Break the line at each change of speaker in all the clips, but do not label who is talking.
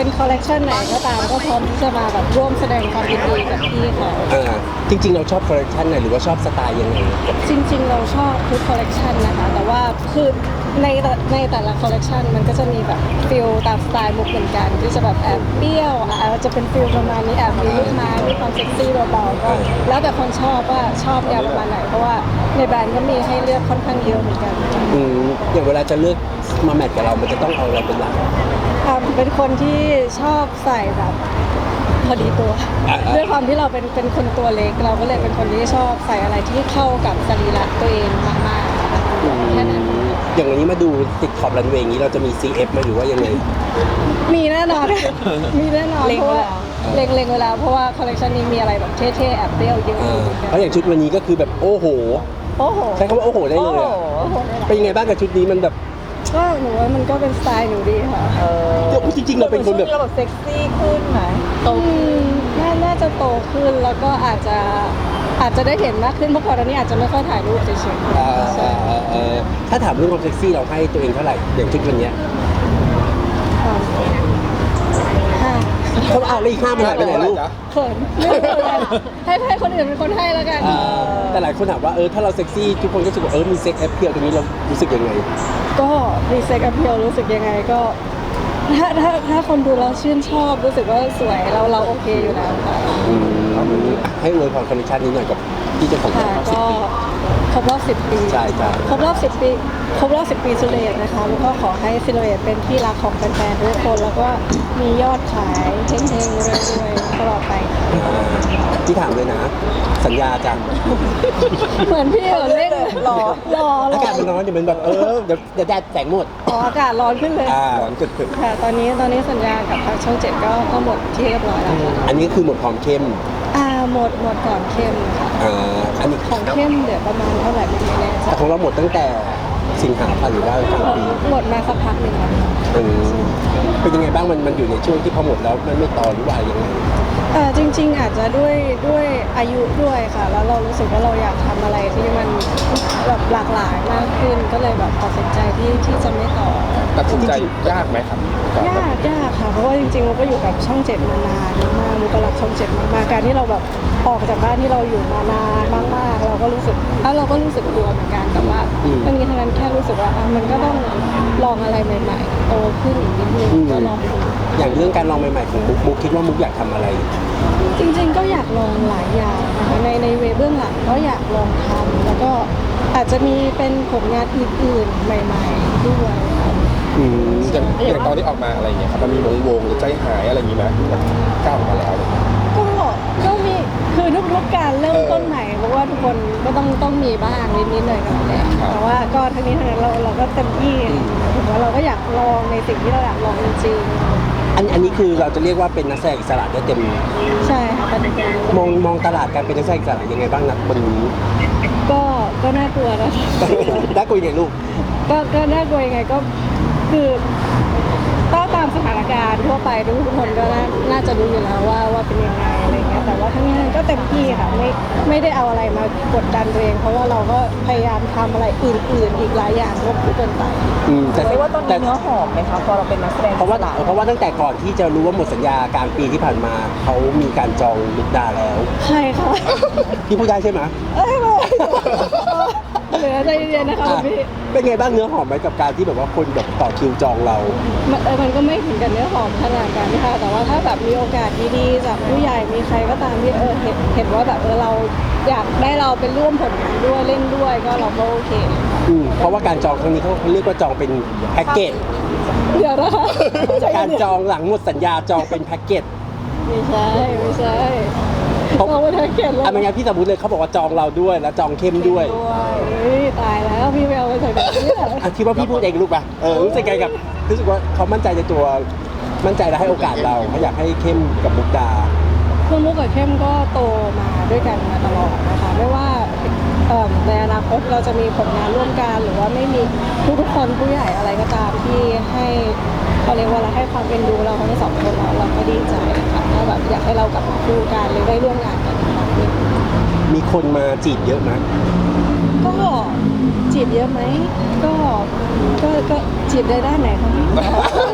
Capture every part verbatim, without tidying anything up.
เป็นคอลเลกชันไหนก็ตามก็พร้อมที่จะมาแบบร่วมแสดงความยินดีกับพี่เขา
อ่าจริงๆเราชอบคอลเลคชันไหนหรือว่าชอบสไตล์ยังไง
จริงๆเราชอบทุกคอลเลกชันนะคะแต่ว่าคือในแต่ในแต่ละคอลเลกชันมันก็จะมีแบบฟิลตามสไตล์มุกเหมือนกันที่จะแบบแอบเปรี้ยวอาจจะเป็นฟิลประมาณนี้แอบมีลูกไม้มีความเซ็กซี่เบาๆก็แล้วแต่คนชอบว่าชอบแนวประมาณไหนเพราะว่าในแบรนด์ก็มีให้เลือกค่อนข้างเยอะเหมือนกัน
อืมอย่างเวลาจะเลือกมาแมทกับเรา มันจะต้องเอาอะไรเป็นหลัก
อ่าเป็นคนที่ชอบใส่แบบพอดีตัว
อ่าๆ
ด้วยความที่เราเป็นเป็นคนตัวเล็กเราก็เลยเป็นคนที่ชอบใส่อะไรที่เข้ากับสรีระตัวเองมากๆค่ะแค่นั้น
อย่างวันนี้มาดูติดขอบรันเวย์อย่างนี้เราจะมี ซี เอฟ มาอยู่ว่ายังไง
มีแน่นอน มีแน่นอนเพราะว่าเล็งเล็งเวลาเพราะว่าคอลเลคชันนี้มีอะไรแบบเท่ๆแอบเปรี้ยวเยอะ
อ่า
อยู่
เพราะอย่างชุดวันนี้ก็คือแบบโอ้โห
โอ้โห
ใช้คำว่าโอ้โหได้เลยอะ
โอ้โห
เป็นยังไงบ้างกับชุดนี้มันแบบ
ก็หนูว่ามันก็เป็นสไตล์หนูดีค่ะ
เออ
จริงๆเราเป็นคนแบบ
เราแบบเซ็กซี่ขึ้นไหมโต
อืมน่าน่าจะโตขึ้นแล้วก็อาจจะอาจจะได้เห็นมากขึ้นเพราะก่อนหน้านี้อาจจะไม่ค่อยถ่ายรูปเฉย
อ่า
ๆใช่
เอ่อเอ่อถ้าถามเรื่องความเซ็กซี่เราให้ตัวเองเท่าไหร่อย่างชุดวันเนี้ย
ค่ะห้า
เขาเอาแล้วอีกห้ามันหายไปไหนลูก
เขินไม่รู้เลยให้ให้คนอื่นเป็นคนให้แล้วกัน
อ่าแต่หลายคนถามว่าเออถ้าเราเซ็กซี่ทุกคนก็รู้สึกว่าเออมีเซ็กแอปเพียลตรงนี้เรารู้สึกยังไง
ก็รีเซ็กอัพเพียวรู้สึกยังไงก็ถ้าถ้าถ้าคนดูเราชื่นชอบรู้สึกว่าสวยเราเราโอเคอยู่แล้วค่ะ
อืมให้อวยพรคอนดิชันนี้หน่อยกับที่เจ้าของ
ค่ะ
ร้าน
ก็ครบรอบสิบปี
ใช่ใช่
ครบรอบสิบปีครบรอบสิบปีซิลเอตนะคะแล้วก็ขอให้ซิลเอตเป็นที่รักของแฟนๆทุกคนแล้วก็มียอดขายเฮงๆรวยๆตลอดไป
ที่ถามเลยนะ สัญญาจัง
เหมือนพี่เหรอเล่น
รอ
รอร
อา
อ
กาศมันร้อนเดี๋ยวมันแบบเออเดี๋ยวเดี๋ยวแดดแสงหมด
อ๋ออากาศร้อนขึ้นเลย
อ่าร้อนจุด
ค่ะตอนนี้ตอนนี้สัญญากับทางช่องเจ็ดก็ก็หมดที่เรียบร้อยแล้วค่ะ
อันนี้คือหมดความเข้ม
อ่าหมดหมดก่อนเข้มค่ะ
อ่าอันนี้
ของเข้มเหลือประมาณเท่าไหร่ไม่แน่ใจ
แต่ของเราหมดตั้งแต่สิงหาคมหรือว่ากลางปี
หมดมาสักพักหนึ่งแล้วค่ะ
อืมเป็นยังไงบ้างมันมันอยู่ในช่วงที่พอหมดแล้วมันไม่ต่อหรือว่ายังไง
เออจริง ๆ อาจจะด้วยด้วยอายุด้วยค่ะ แล้วเรารู้สึกว่าเราอยากทำอะไรที่มันแบบหลากหลายมากขึ้นก็เลยแบบตัดสินใจที่ที่จะไม่ต่อ
ตัดสินใจยากไหมครับ
ยากยากค่ะเพราะว่าจริงๆเราก็อยู่กับช่องเจ็ดมานานมากมุกรักช่องเจ็ดมากๆการที่เราแบบออกจากบ้านที่เราอยู่มานานมากๆเราก็รู้สึกแล้วเราก็รู้สึกกลัวเหมือนกันแต่ว่า
อืม
ทั้งนี้ทั้งนั้นแค่รู้สึกว่าอ่ะมันก็ต้องลองอะไรใหม่ๆโตขึ้นอีกนิดนึง
อืม
ก็ลองดู
อย่างเรื่องการลองใหม่ๆของมุกมุกคิดว่ามุกอยากทำอะไร
จริงๆก็อยากลองหลายอย่างนะคะในในเวเบื้องหลังก็อยากลองทำแล้วก็อาจจะมีเป็นผลงานอื่นๆใหม่ๆด้วยค่ะ
อืม
อย่างอย่างตอนที่ออกมาอะไรอย่างเงี้ยครับมันมีวงวงหรือใจหายอะไรอย่างงี้ไหมแบบก้าวออกมาแล้ว
ก็ก็มีคือทุกๆการเริ่มต้นใหม่เพราะว่าทุกคนก็ต้องต้องมีบ้างนิดๆหน่อยๆแหละแต่ว่าก็ทั้งนี้ทั้งนั้นเราเราก็เต็มที่ถือว่าเราก็อยากลองในสิ่งที่เราอยากลองจริง
อันอันนี้คือเราจะเรียกว่าเป็นนักแสดงอิสระได้เต็ม
ๆใช่ค่ะเป็นการ
มองมองตลาดการเป็นนักแสดงอิสระยังไงบ้างนะวันนี้
ก็ก็น่ากลัวนะคะ
ได้คุยไงลูก
ก็ก็น่ากลัวยังไงก็คือก็ตามสถานการณ์ทั่วไปทุกคนก็น่าน่าจะรู้อยู่แล้วว่าว่าเป็นยังไงอะไรเงี้ยแต่ว่าทั้งนี้ทั้งนั้นก็เต็มที่ค่ะไม่ไม่ได้เอาอะไรมากดดันตัวเอง เพราะว่าเราก็พยายามทำอะไรอื่นๆ อีกหลายอย่างควบคู่กันไป
อืมแต่
เรียกว่าตอนนี้
แต่
เนื้อหอมไหมคะพอเราเป็นนักแสดง
เพราะว่าเพราะว่าตั้งแต่ก่อนที่จะรู้ว่าหมดสัญญากลางปีที่ผ่านมาเขามีการจองลุกดาแล้ว
ใช่ค่ะ
พี่พูดได้ใช่ไหม
เอ้ยไม่เหลือใจเย็นๆนะคะ
อ่ะ
คุณพี่
เป็นไงบ้างเนื้อหอมไหมกับการที่แบบว่าคนแบบต่อคิวจองเรา
มันเออมันก็ไม่ถึงกับเนื้อหอมขนาดนั้นค่ะแต่ว่าถ้าแบบมีโอกาสดีๆจากผู้ใหญ่มีใครก็ตามที่เออเห็นเห็นว่าแบบเออเราอยากได้เราเป็นร่วมผลงานด้วยเล่นด้วยก็เราก็โอเค
อืมเพราะว่าการจองครั้งนี้เขาเขาเรียกว่าจองเป็นแพ็กเกจ
เดี๋ยวนะคะใจ
การ
เย็นๆ
จองหลังหมดสัญญาจองเป็นแพ็กเกจ
ไม่ใช่ไม่ใช่
เขา
เราไม่ได้เขียนเลย
อ่ะไม่งั้นพี่สมมติเลยเขาบอกว่าจองเราด้วยแล้วจองเข้มด้วย
เฮ้ยตายแล้วพี่ไม่เอาไปใส่แบบนี้เหรอ
อ่ะคิดว่าพี่พูดเองลูกป่ะเออรู้สึกไงกับรู้สึกว่าเขามั่นใจในตัวมั่นใจและให้โอกาสเราเขาอยากให้เข้มกับมุกดา
คือมุกกับเข้มก็โตมาด้วยกันมาตลอดนะคะไม่ว่าเอิ่มในอนาคตเราจะมีผลงานร่วมกันหรือว่าไม่มีทุกๆคนผู้ใหญ่อะไรก็ตามที่ให้เขาเรียกว่าอะไรให้ความเป็นดูเราทั้งสองคนเราเราก็ดีใจค่ะถ้าแบบอยากให้เรากลับมาคู่กันหรือได้ร่วมงานกันอีกครั้งหนึ่ง
มีคนมาจีบเยอะไหม
ก็จีบเยอะไหมก็ก็ก็จีบได้ด้านไหนคะ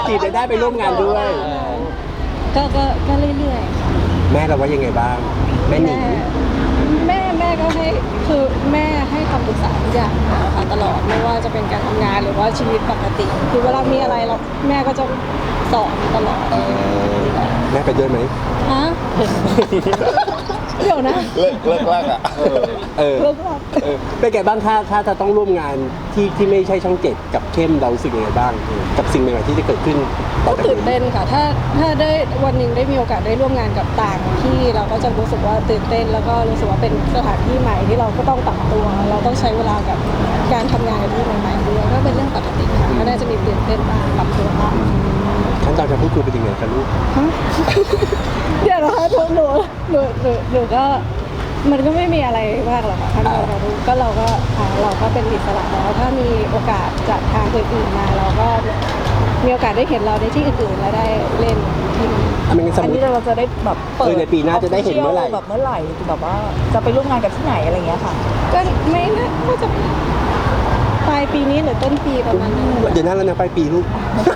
จีบได้ไปร่วมงานด้วย
ก็ก็ก็เรื่อยๆค่ะ
แม่เราว่ายังไงบ้างแม่หนิ
แม่
ง
แม่แม่ก็ให้คือแม่ให้คำปรึกษาทุกอย่างนะคะตลอดไม่ว่าจะเป็นการทำงานหรือว่าชีวิตปกติ คือเวลามีอะไรเราแม่ก็จะสอนตลอด
แม่ไปด้วยไหม
ฮะเดี๋ยวนะ
เลิกเลิกลากอ่ะ
เออ
เลิกลัก
เออเป็นไงบ้างถ้าถ้าจะต้องร่วมงานที่ที่ไม่ใช่ช่องเจ็ดกับเข้มเรารู้สึกยังไงบ้าง กับสิ่งใหม่ๆที่จะเกิดขึ้นต่อ
ก็
จาก
ตื่น
นี้
เต้นค่ะ ถ้าถ้าได้วันหนึ่งได้มีโอกาสได้ร่วมงานกับต่างที่เราก็จะรู้สึกว่าตื่นเต้น แล้วก็รู้สึกว่าเป็นสถานที่ใหม่ที่เราก็ต้องปรับตัว เราต้องใช้เวลากับการทำงานกับที่ใหม่ๆด้วยก็เป็นเรื่องปกติค่ะก็น่าจะมีตื่นเต้นบ้างปรับตัวบ้าง
ขั้นตอนการพูดคุยเป็นยังไงคะลูก
ฮะ เดี๋ยวนะคะหนูหนูหนูหนูหนูก็มันก็ไม่มีอะไรมากหรอกค่ะท่านเรารู้ก็เราก็อ่าเราก็เป็นอิสระแล้วถ้ามีโอกาสจากทางอื่นๆมา เราก็มีโอกาสได้เห็นเราในที่อื่นๆ แล้วได้เล่นที่นี่
อ่ะไม่งั้นสม
อัน
ม
นี้
ติ
เราจะได้แบบเปิ
เอ
ด
อในปีหน้าจะได้เห็นเมื่อไหร่
แบบเมื่อไหร่แบบว่าจะไปร่วมงานกับที่ไหนอะไรอย่างเงี้ยค่ะ
ก็ไม่น่าก็จะปลายปีนี้หรือต้นปีประมาณนั้น
เดี๋ยวนั้นแล้วนะปลายปีลูก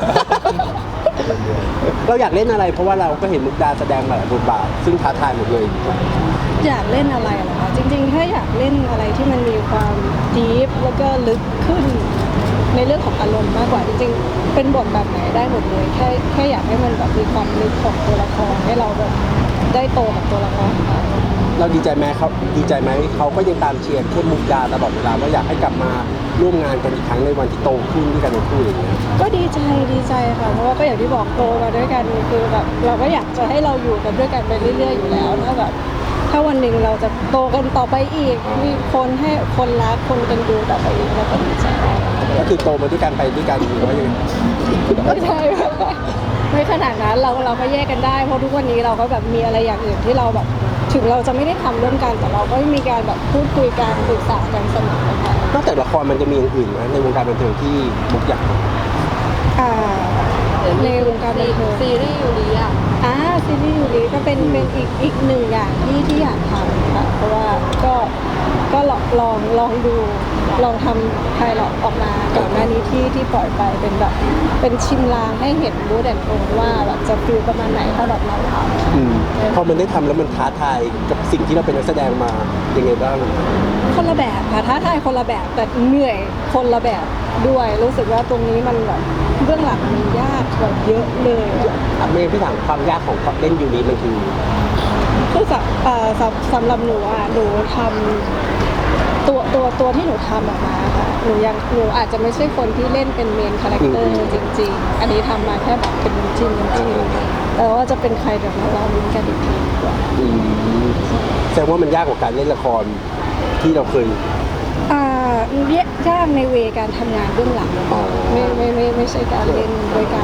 เราอยากเล่นอะไร เพราะว่าเราก็เห็นมุกดาแสดงมาหลายบทบาท ซึ่งท้าทายหมดเลย
อยากเล่นอะไรเหรอคะจริงๆ ถ้าอยากเล่นอะไรที่มันมีความดีฟแล้วก็ลึกขึ้นในเรื่องของอารมณ์มากกว่าจริงๆ เป็นบทแบบไหนได้หมดเลยแค่แค่อยากให้มันแบบมีความลึกของตัวละครให้เราแบบได้โตกับตัวละครค่ะ
เราดีใจไหมเขาดีใจไหมเขาก็ยังตามเชียร์เข้มมุกดาตลอดเวลาว่าอยากให้กลับมาร่วมงานกันอีกครั้งในวันที่โตขึ้นด้วยกันทั้งคู่อย่างเงี้ย
ก็ดีใจดีใจค่ะเพราะว่าก็อย่างที่บอกโตมาด้วยกันคือแบบเราก็อยากจะให้เราอยู่กันด้วยกันไปเรื่อยๆอยู่แล้วถ้าแบบถ้าวันหนึ่งเราจะโตกันต่อไปอีกมีคนให้คนรักคนกันดูต่อไปอีกเราก็ดีใจ
ก็คือโตมาด้วยกันไปด้วยกันหรือว่ายังไง
ไม่ใช่ไม่ขนาดนั้นเราเราก็แยกกันได้เพราะทุกวันนี้เราก็แบบมีอะไรอย่างอื่นที่เราแบบถึงเราจะไม่ได้ทำร่วมกันแต่เราก็มีการแบบพูดคุยกันปรึกษากันเสมอค่ะ
นอกจากละครมันจะมีอย่างอื่นไหมในวงการบันเทิงที่มุกอยาก
อ่าในวงการบันเทิง
ซีรีส์ยูริอ่ะ
อ่าซีรีส์ยูริก็เป็นเป็นอีกอีกหนึ่งอย่างที่ที่อยากทำค่ะเพราะว่าก็ก็ลองลองลองดูลองทำไพลอตออกมาก่อนหน้านี้ที่ที่ปล่อยไปเป็นแบบเป็นชิมลางให้เห็นรู้แดนโทนว่าแบบจะฟิลประมาณไหนถ้าแบบเราทำ
อืมพอมันได้ทำแล้วมันท้าทายกับสิ่งที่เราเป็นนักแสดงมายังไงบ้าง
คนละแบบค่ะท้าทายคนละแบบแต่เหนื่อยคนละแบบด้วยรู้สึกว่าตรงนี้มันแบบเบื้องหลังมันยากกว่าเยอะเลย
อ่ะเมย์พี่ถามความยากของเล่นยูริมันคือ
คือสำเอ่อสำสำหรับหนูอ่ะหนูทำตัวตัวตัวที่หนูทำออกมาค่ะหนูยังหนูอาจจะไม่ใช่คนที่เล่นเป็นเมนคาแรคเตอร์จริง ๆ อันนี้ทำมาแค่แบบเป็นจิ้นจิ้นแต่ว่าจะเป็นใครเดี๋ยวเราลองลุ้นกันอีกทีดีกว่า
อืมแสดงว่ามันยากกว่าการเล่นละครที่เราเคย
อ่ายากในเวการทำงานเบื้องหลัง
อ๋อ
ไม่ไม่ไม่ไม่ใช่การเล่นด้วยกัน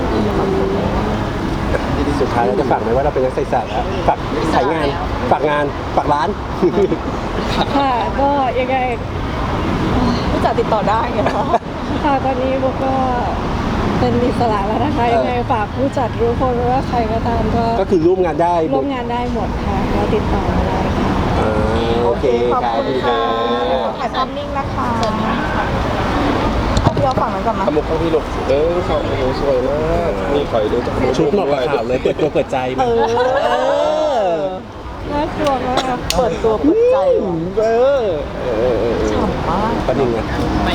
สุดท้ายเราจะฝากไหมว่าเราเป็นนักศึกษาแล้วฝากขายงานฝากงานฝากร้าน
ค่ะก็ยังไง
ผู้จัดติดต่อได้ไงคะ
ค่ะตอนนี้โบก็เป็นอิสระแล้วนะคะ
เออ
ยังไงฝากผู้จัดทุกคนไว้ว่าใครก็ตามก็
ก็คือร่วมงานได้
ร่วมงานได้หมดค่ะก็ติดต่อมาได้ค่ะ
อ่าโอเค
ขอบ
ครับ
คุณค่ะถ่ายภาพนิ่งนะคะเอาพี่เอาฝั่งนั้นก่อนนะ
ขมุกข้างพี่ลูกเออเขาโอ้โหสวยมากนี่คอยดูจาก
ชุดเหมาะกับข่าวเลยเปิดตัวเปิดใจ
เอ
มา
อ
น่ากลัวมาก
เปิดตัวเปิดใจว่ะ
เออเออเออเออ
ฉ่ำมาก
ประเด็นไง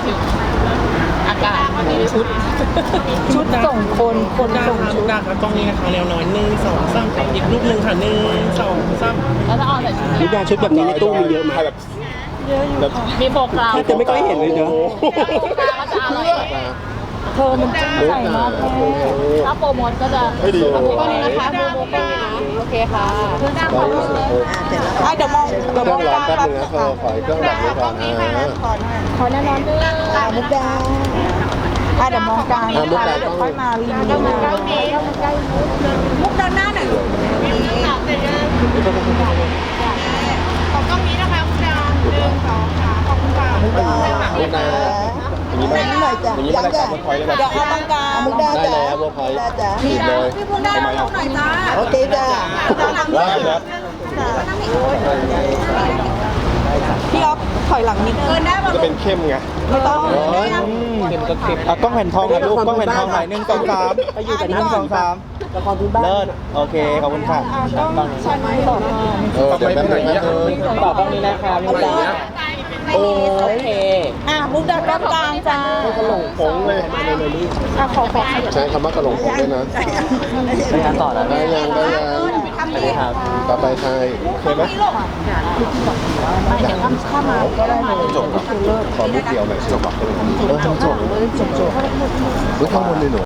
ชุด ชุดส่งคนคนส่งชุด
ดาครับกล้องนี้นะคะแนวน้อยหนึ่งสองสามอีกรูปหนึ่งค่ะหนึ่งสองสาม
แล้วถ้าออนใส่ชุด
ชุดยาชุดแบบนี้ในตู้มีเยอะไหม
แบบ
เยอะอยู่
แบบ
ค่ะ
มีโฟกัส
แทบจะไม่ค่อยเห็นเลยเนอะ
โฟกัสก็จะอร่อย
เธอมันจิ้มใจมากแม่
ถ้าโปรโมทก็จะ
ไม่ดี
โปรโมทก็นี้นะคะโปรโมทก็นี้นะโอเคค่ะเพื่อนจ้างขอรูปเลย
อ่ะเดี๋ยวมอง
เค
เดี๋ยว
รื่
ม
อ
อง ง
ร้อน
กลาง
แป๊บนึงนะเธอขอเครื่องแบบนี้ก่อนอ่า
ขอแน่นอนด้วย
อ่ะมุกดาอ่ะเดี๋ยวมองกลางนะคะแล้วเดี๋ยวค่อยมารีวิวนะมุกด้านหน้าหน่อย
ของกล้องนี้นะคะคุณดาวหนึ่งสองสามขอบคุณค่ะ
มุกดา
มุกดาอย่างนี้ไหมอย่างนี้ไหมรายการเวิร์คพอยต์ได้ไหม
เดี๋ยวเอาตรงกลางมุกดา
ได้แล้วเวิร์คพอยต์ผิดเลยทำไมอ่ะ
โอเคจ้า
ได้นะ
พี่อ๊อฟถอยหลังนิดนึง
จะเป็นเข้มไง
ไม่ต้อง
เข็มก็เข็ม
อ่ะกล้องแผ่นทองหน่อยลูกกล้องแผ่นทองหน่อยหนึ่งสองสาม
ไปอยู่แต่
ห
หน้า
นึ่งสองสาม
ละครพื้นบ้าน
เลิศโอเคขอบคุณค่ะ
เออเดี๋ยวแป๊บนึงนะ
ต่อกล้องนี้นะคะพี่ดาโอเค
อ่ะมุกดาก้ากลางจ้า
กระหลงผงเลย
อ่ะขอขอ
ใช้คำว่ากระหลงผงด้วยนะ
ไปงานต่อแล้ว
ได้ยังได้ยัง
ทำดี
ครับ
ต่อไปใครเคยไหม
ไม่เดี๋ยวทำข้ามาก็ได้เลย
จบขอมุกเดียวหน่อยจบอ่ะ
เออจบจบ
ข้างบนเลยหนู